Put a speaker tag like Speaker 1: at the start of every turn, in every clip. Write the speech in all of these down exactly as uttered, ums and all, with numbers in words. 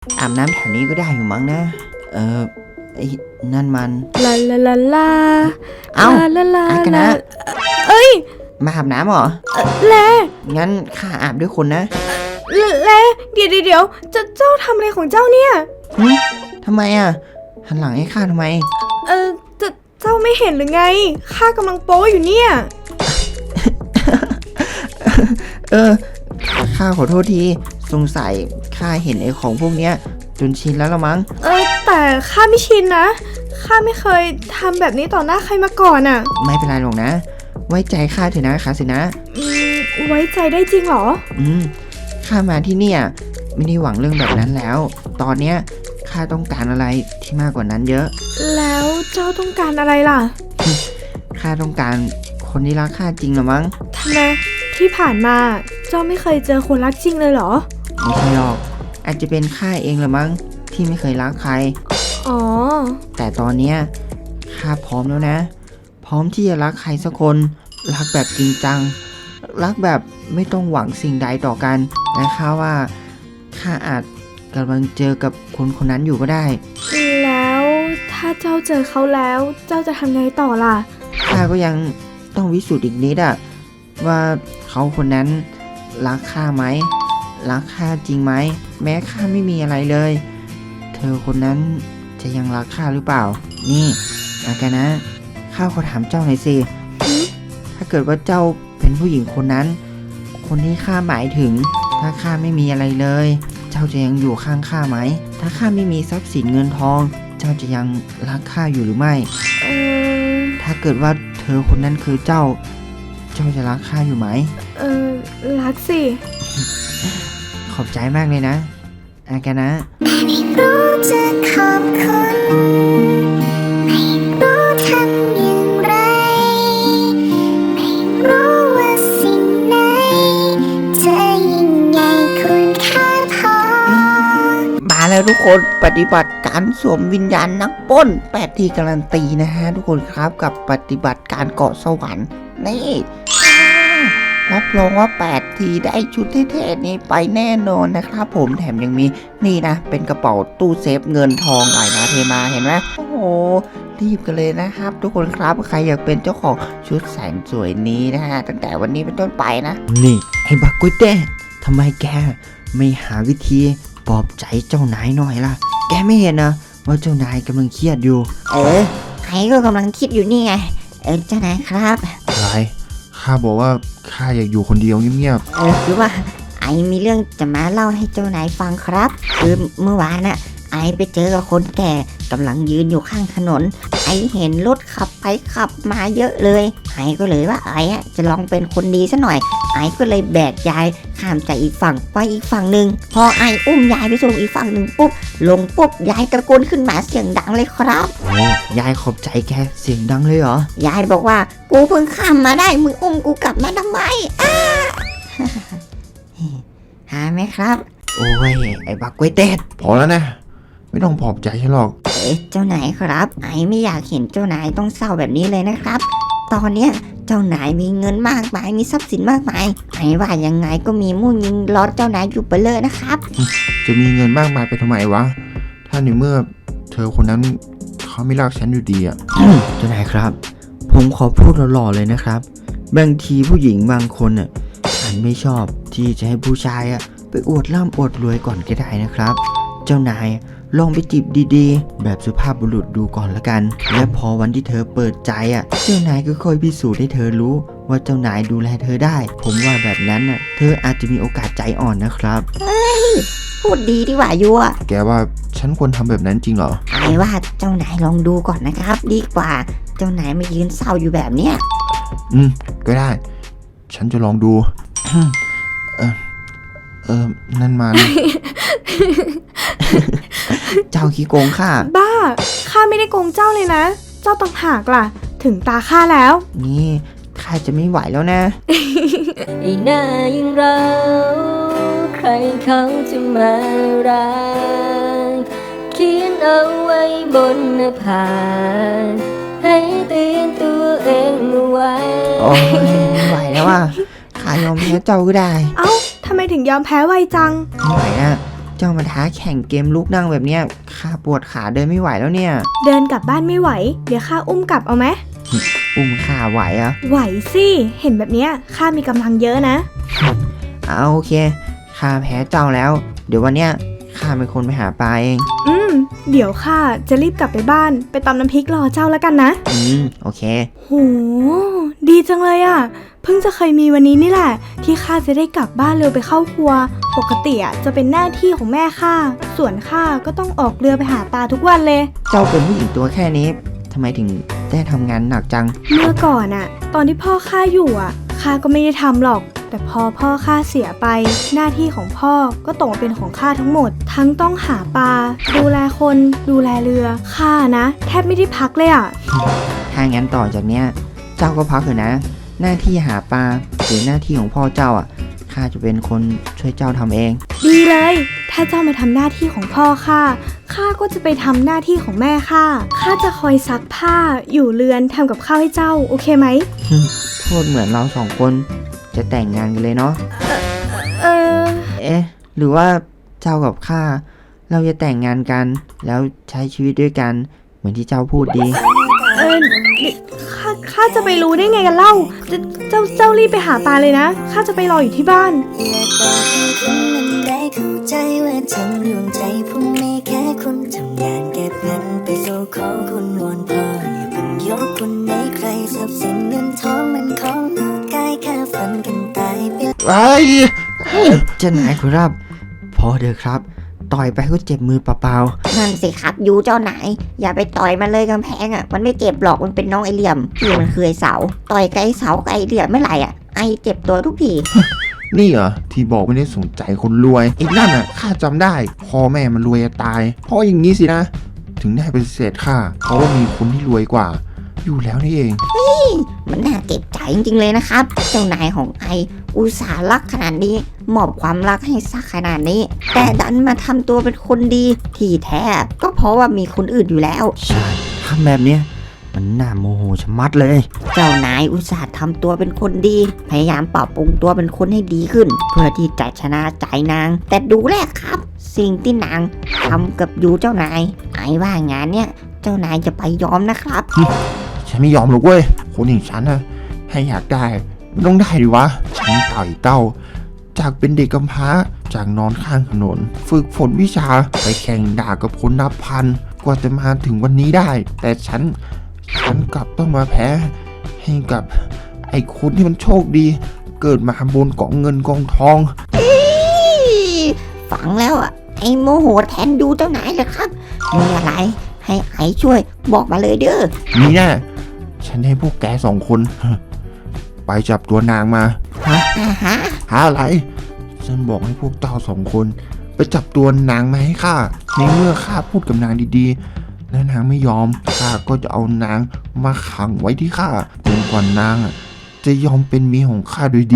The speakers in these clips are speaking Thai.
Speaker 1: อาบน้ำแถวนี้ก็ได้อยู่มั้งนะเออไอ้นั่นมัน
Speaker 2: ลาลาลาลา
Speaker 1: เอ้า
Speaker 2: ลาลา
Speaker 1: อากันนะ
Speaker 2: เอ้ย
Speaker 1: มาอาบน้ำเหรอ
Speaker 2: แล
Speaker 1: งั้นข้าอาบด้วยคนนะ
Speaker 2: แลเดี๋ยวเดี๋ยวเจ้าเจ้าทำอะไรของเจ้าเนี่ย
Speaker 1: ทำไมอ่ะหันหลังให้ข้าทำไม
Speaker 2: เออเจ้าเจ้าไม่เห็นหรือไงข้ากำลังโป๊อยู่เนี่ย
Speaker 1: เออข้าขอโทษทีสงสัยข้าเห็นไอ้ของพวกเนี้ยจนชินแล้วละมั้ง
Speaker 2: เออแต่ข้าไม่ชินนะข้าไม่เคยทำแบบนี้ต่อหน้าใครมาก่อนอ่ะ
Speaker 1: ไม่เป็นไรหรอกนะไว้ใจข้าเถอะนะคาสินะ
Speaker 2: อืมไว้ใจได้จริงเหรอ
Speaker 1: อืมข้ามาที่เนี่ยไม่ได้หวังเรื่องแบบนั้นแล้วตอนเนี้ยข้าต้องการอะไรที่มากกว่านั้นเยอะ
Speaker 2: แล้วเจ้าต้องการอะไรล่ะ
Speaker 1: ข้าต้องการคนที่รักข้าจริงหรอมั้ง
Speaker 2: ทำไมที่ผ่านมาเจ้าไม่เคยเจอคนรักจริงเลยเหรอ
Speaker 1: ไม่ใช่หรอกอาจจะเป็นข้าเองหรอมั้งที่ไม่เคยรักใคร
Speaker 2: อ๋อ
Speaker 1: แต่ตอนเนี้ยข้าพร้อมแล้วนะพร้อมที่จะรักใครสักคนรักแบบจริงจังรักแบบไม่ต้องหวังสิ่งใดต่อกันและข้าว่าข้าอาจกำลังเจอกับคนคนนั้นอยู่ก็ได้
Speaker 2: แล้วถ้าเจ้าเจอเขาแล้วเจ้าจะทำไงต่อล่ะ
Speaker 1: ข้าก็ยังต้องวิสูจน์อีกนิดอะว่าเขาคนนั้นรักข้าไหมรักข้าจริงไหมแม้ข้าไม่มีอะไรเลยเธอคนนั้นจะยังรักข้าหรือเปล่านี่อากันนะข้าขอถามเจ้าหน่อยสิถ้าเกิดว่าเจ้าเป็นผู้หญิงคนนั้นคนที่ข้าหมายถึงถ้าข้าไม่มีอะไรเลยเจ้าจะยังอยู่ข้างข้าไหมถ้าข้าไม่มีทรัพย์สินเงินทองเจ้าจะยังรักข้าอยู่หรือไม่
Speaker 2: เออ
Speaker 1: ถ้าเกิดว่าเธอคนนั้นคือเจ้าเจ้าจะรักข้าอยู่ไหม
Speaker 2: เออรักสิ
Speaker 1: ขอบใจมากเลยนะอากันนะ
Speaker 3: ไม่รู้จะขอบคุณไม่รู้ทำอย่างไรไม่รู้ว่าสิ่งไหนจะยิ่งใหญ่คุณค่าพอ
Speaker 1: มาแล้วทุกคนปฏิบัติการสวมวิญญาณนักปล้นแปดทีการันตีนะฮะทุกคนครับกับปฏิบัติการเกาะสวรรค์นี่รับรองว่าแปดทีได้ชุดเท่ๆนี้ไปแน่นอนนะครับผมแถมยังมีนี่นะเป็นกระเป๋าตู้เซฟเงินทองไหลมาเทมาเห็นไหมโอ้โหรีบกันเลยนะครับทุกคนครับใครอยากเป็นเจ้าของชุดแสนสวยนี้นะฮะตั้งแต่วันนี้เป็นต้นไปนะนี่ไอ้บักกุ้ยเต้ทำไมแกไม่หาวิธีปลอบใจเจ้านายหน่อยล่ะแกไม่เห็นนะว่าเจ้านายกำลังเครียดอยู่
Speaker 3: เออใครก็กำลังคิดอยู่นี่ไงเออเจ้านายครับ
Speaker 4: อะไรข้าบอกว่าข้าอยากอยู่คนเดียวเงียบ
Speaker 3: ๆเออคือว่าไอมีเรื่องจะมาเล่าให้เจ้านายฟังครับคือเมื่อวานน่ะไอไปเจอกับคนแก่กำลังยืนอยู่ข้างถนนไอเห็นรถขับไปขับมาเยอะเลยไอก็เลยว่าไออ่ะจะลองเป็นคนดีซะหน่อยไอก็เลยแบกยายข้ามจากอีกฝั่งไปอีกฝั่งหนึ่งพอไออุ้มยายไปส่งอีกฝั่งหนึ่งปุ๊บลงปุ๊บยายตะโกนขึ้นมาเสียงดังเลยครับ
Speaker 1: โอ้ยายขอบใจแกเสียงดังเลยเหร
Speaker 3: อยายบอกว่ากูเพิ่งข้ามมาได้มึงอุ้มกูกลับมาทำไมอ้าหาไหมครับ
Speaker 1: โอ้ยไอ้บักกล้วยเต้
Speaker 4: พอแล้วนะไม่ต้องปลอบใจฉันหรอก
Speaker 3: เอ๊ะเจ้านายครับไอไม่อยากเห็นเจ้านายต้องเศร้าแบบนี้เลยนะครับตอนเนี้ยเจ้านายมีเงินมากมายมีทรัพย์สินมากมายไอว่ายังไงก็มีมุ่งยิงล้อเจ้านายอยู่ไปเลยนะครับ
Speaker 4: จะมีเงินมากมายไปทำไมวะถ้าในเมื่อเธอคนนั้นเขาไม่รักฉันอยู่ดีอ่ะ
Speaker 1: เจ้านายครับผมขอพูดหล่อๆเลยนะครับบางทีผู้หญิงบางคนอ่ะอาจไม่ชอบที่จะให้ผู้ชายอ่ะไปอวดร่ำอวดรวยก่อนก็ได้นะครับเจ้านายลองไปจีบดีๆแบบสุภาพบุรุษดูก่อนละกันและพอวันที่เธอเปิดใจอ่ะเจ้านายก็ค่อยพิสูจน์ให้เธอรู้ว่าเจ้านายดูแลเธอได้ผมว่าแบบนั้นน่ะเธออาจจะมีโอกาสใจอ่อนนะครับ
Speaker 3: เฮ้ยพูดดีดีกว่ายัว
Speaker 4: แกว่าฉันควรทำแบบนั้นจริงเหรอ
Speaker 3: ไอ้ว่าเจ้านายลองดูก่อนนะครับดีกว่าเจ้านายไม่ยืนเศร้าอยู่แบบเนี้ย
Speaker 4: อืมก็ได้ฉันจะลองดูเออเออนั่นมัน
Speaker 1: เจ้าขี้โกงข้า
Speaker 2: บ้าข้าไม่ได้โกงเจ้าเลยนะเจ้าต่างหากล่ะถึงตาข้าแล้ว
Speaker 1: นี่ข้าจะไม่ไหวแล้วนะ
Speaker 5: ไอ้หน้ายังเราใครเขาจะมารักเขียนเอาไว้บนหน้าผากให้เตือนตัวเองเอาไว้
Speaker 1: โอ้ยไม่ไหวแล้วอ่ะข้ายอมแพ้เจ้าก็ได้
Speaker 2: เอ้าทำไมถึงยอมแพ้ไวจัง
Speaker 1: ไม่ไหวอ่ะเจ้ามาท้าแข่งเกมลุกนั่งแบบเนี้ยข้าปวดขาเดินไม่ไหวแล้วเนี่ย
Speaker 2: เดินกลับบ้านไม่ไหว เดี๋ยวข้าอุ้มกลับเอาไหม
Speaker 1: อุ้มข้าไหวเหรอะ
Speaker 2: ไหวสิเห็นแบบเนี้ยข้ามีกำลังเยอะนะ
Speaker 1: เอาโอเคข้าแพ้เจ้าแล้ว เดี๋ยววันเนี้ยข้าเป็นคนไปหาปลาเอง
Speaker 2: อืมเดี๋ยวข้าจะรีบกลับไปบ้านไปตำน้ำพริกรอเจ้าแล้วกันนะ
Speaker 1: อืมโอเค
Speaker 2: โหดีจังเลยอ่ะเพิ่งจะเคยมีวันนี้นี่แหละที่ข้าจะได้กลับบ้านเร็วไปเข้าครัว ปกติอ่ะจะเป็นหน้าที่ของแม่ข้าส่วนข้าก็ต้องออกเรือไปหาปลาทุกวันเลย
Speaker 1: เจ้าเป็นผู้หญิงตัวแค่นี้ทำไมถึงได้ทำงานหนักจัง
Speaker 2: เมื่อก่อนอ่ะ ตอนที่พ่อข้าอยู่อ่ะข้าก็ไม่ได้ทำหรอก แต่พอพ่อข้าเสียไป หน้าที่ของพ่อก็ตกมาเป็นของข้าทั้งหมด ทั้งต้องหาปลาดูแลคนดูแลเรือข้านะ แทบไม่ได้พักเลยอ่ะ
Speaker 1: ถ้างั้นต่อจากเนี้ยเจ้าก็พักเถอะนะ หน้าที่หาปลาหรือหน้าที่ของพ่อเจ้าอ่ะข้าจะเป็นคนช่วยเจ้าทำเอง
Speaker 2: ดีเลย ถ้าเจ้ามาทำหน้าที่ของพ่อข้า ข้าก็จะไปทำหน้าที่ของแม่ข้า ข้าจะคอยซักผ้า อยู่เรือนทำกับข้าวให้เจ้า โอเคไหม
Speaker 1: พูดเหมือนเราสองคนจะแต่งงานกันเลยเนาะ
Speaker 2: เออ
Speaker 1: เอ๊ะ หรือว่าเจ้ากับข้าเราจะแต่งงานกัน แล้วใช้ชีวิตด้วยกัน เหมือนที่เจ้าพูดดี
Speaker 2: เออข้า ข้าจะไปรู้ได้ไงกันเล่าเจเจ้า เจ้ารีบไปหาปลาเลยนะ ข้าจะไปรออยู่ที่บ้าน
Speaker 6: อยากบอกให้คุณนั้นได้เข้าใจว่าทั้งดวงใจผมมีแค่คุณทำงานเก็บเงินไปสู่ขอคุณวอนพ่ออย่าเพิ่งยกคุณให้ใครทรัพย์สินเงินทองมันของนอกกายแค่ฝันกันตายไป
Speaker 4: ไอ้
Speaker 1: เจ้านายครับ พอเถอะครับ ต่อยไปก็เจ็บมือเปล่า
Speaker 3: นั่นสิครับยูเจ้านายอย่าไปต่อยมันเลยกำแพงอ่ะมันไม่เจ็บหรอกมันเป็นน้องไอเหลี่ยมพี่มันคือไอเสาต่อยไกบไอ้เสาไกบไอเหลี่ยมไม่ไหร่อ่ะไอเจ็บตัวทุกที
Speaker 4: นี่เหรอที่บอกไม่ได้สนใจคนรวยไอ้นั่นอ่ะข้าจำได้พ่อแม่มันรวยจะตายเพราะอย่างนี้สินะ ถึงได้ปฏิเสธข้าเพราะว่ามีคนที่รวยกว่า อยู่แล้วนี่เอง
Speaker 3: มันน่าเจ็บใจจริงๆเลยนะครับ เจ้านายของไออุตส่าห์รักขนาดนี้มอบความรักให้สักขนาดนี้ แต่ดันมาทำตัวเป็นคนดีที่แท้ก็เพราะว่ามีคนอื่นอยู่แล้ว
Speaker 1: ๆ ใช่ทำแบบเนี้ยมันน่าโมโหชะมัดเลย
Speaker 3: เจ้านายอุตส่าห์ทำตัวเป็นคนดี พยายามปรับปรุงตัวเป็นคนให้ดีขึ้น เพื่อที่จะชนะใจนาง แต่ดูแลครับ สิ่งที่นางทำกับยูเจ้านาย ไอ้ว่างานเนี้ยเจ้านายจะไปยอมนะครับ
Speaker 4: ฉันไม่ยอมหรอกเว้ยคนอย่างฉันนะให้อยากได้มันต้องได้ดิวะฉันไต่เต้า จากเป็นเด็กกำพร้าจากนอนข้างถนน ฝึกฝนวิชาไปแข่งด่ากับคนนับพันกว่าจะมาถึงวันนี้ได้ แต่ฉันฉันกลับต้องมาแพ้ให้กับไอ้คนที่มันโชคดี เกิดมาบนกองเงินกองทอง
Speaker 3: ฟังแล้วอ่ะไอ้โมโหแทนยูเจ้านายเลยครับ มีอะไรให้ไอ้ช่วยบอกมาเลยเด้อ
Speaker 4: นี่แน่ฉันให้พวกแกสองคน ไปจับตัวนางมา
Speaker 3: อ่าฮะ
Speaker 4: หาอะไร ฉันบอกให้พวกเจ้าสองคน ไปจับตัวนางมาให้ข้า ในเมื่อข้าพูดกับนางดีๆ และนางไม่ยอม ข้าก็จะเอานางมาขังไว้ที่ข้าจนกว่านางอะจะยอมเป็นเมียของข้าโดยดี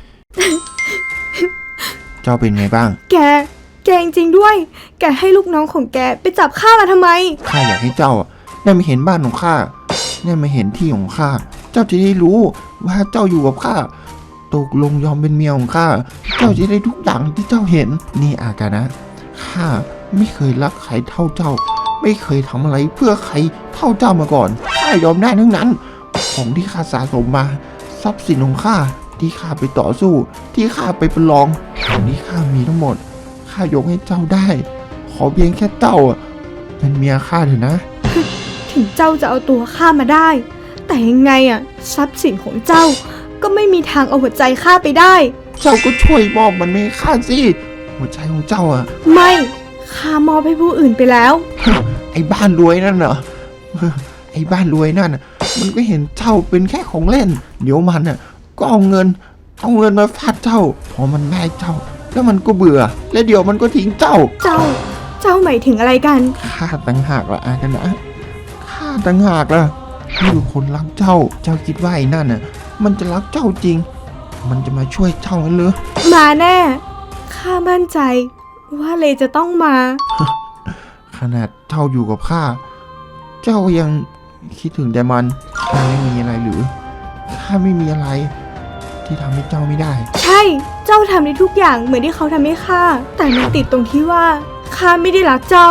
Speaker 4: เจ้าเป็นไงบ้าง
Speaker 2: แก แกจริงๆด้วย แกให้ลูกน้องของแกไปจับข้ามาทำไม
Speaker 4: ข้าอยากให้เจ้าอะได้มาเห็นบ้านของข้า ได้มาเห็นที่ของข้า เจ้าจะได้รู้ว่าเจ้าอยู่กับข้า ตกลงยอมเป็นเมียของข้า เจ้าจะได้ทุกอย่างที่เจ้าเห็น นี่อากานะ ข้าไม่เคยรักใครเท่าเจ้า ไม่เคยทำอะไรเพื่อใครเท่าเจ้ามาก่อน ข้ายอมได้ทั้งนั้น ของที่ข้าสะสมมา ทรัพย์สินของข้าที่ข้าไปต่อสู้ ที่ข้าไปประลองของที่ข้ามีทั้งหมด ข้ายกให้เจ้าได้ ขอเพียงแค่เจ้าอะเป็นเมียข้าเถอะนะ
Speaker 2: ถึงเจ้าจะเอาตัวข้ามาได้ แต่ยังไงอะทรัพย์สินของเจ้า ก็ไม่มีทางเอาหัวใจข้าไปได้
Speaker 4: เจ้าก็ช่วยมอบมันให้ข้าสิ หัวใจของเจ้าอะ
Speaker 2: ไม่ข้ามอบให้ผู้อื่นไปแล้ว
Speaker 4: ไอ้บ้านรวยนั่นเหรอ ไอ้บ้านรวยนั่นน่ะมันก็เห็นเจ้าเป็นแค่ของเล่น เดี๋ยวมันน่ะก็เอาเงิน เอาเงินมาฟาดเจ้า พอมันได้เจ้า แล้วมันก็เบื่อ และเดี๋ยวมันก็ทิ้งเจ้า
Speaker 2: เจ้า เจ้าหมายถึงอะไรกัน
Speaker 4: ข้าต่างหากละอากันนะข้าต่างหากละนี่คือคนรักเจ้า เจ้าคิดว่าไอ้นั่นน่ะ มันจะรักเจ้าจริง มันจะมาช่วยเจ้าหรือ
Speaker 2: มาแน่ ข้ามั่นใจ ว่าเลจะต้องมา
Speaker 4: ขนาดเจ้าอยู่กับข้า เจ้ายังคิดถึงแต่มัน ข้าไม่มีอะไรหรือ ข้าไม่มีอะไร ที่ทำให้เจ้าไม่ได้
Speaker 2: ใช่เจ้าทำได้ทุกอย่างเหมือนที่เขาทำให้ข้าแต่มันติดตรงที่ว่าข้าไม่ได้รักเจ้า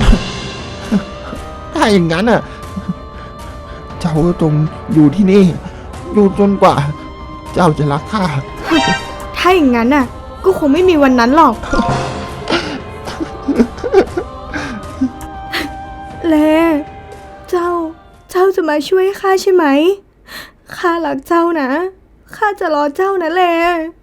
Speaker 4: ถ้าอย่างนั้นอ่ะ เจ้าก็จงอยู่ที่นี่ อยู่จนกว่า เจ้าจะรักข้า
Speaker 2: ถ้าอย่างนั้นน่ะก็คงไม่มีวันนั้นหรอก แลเจ้า เจ้าจะมาช่วยข้าใช่ไหม ข้ารักเจ้านะ ข้าจะรอเจ้านะแล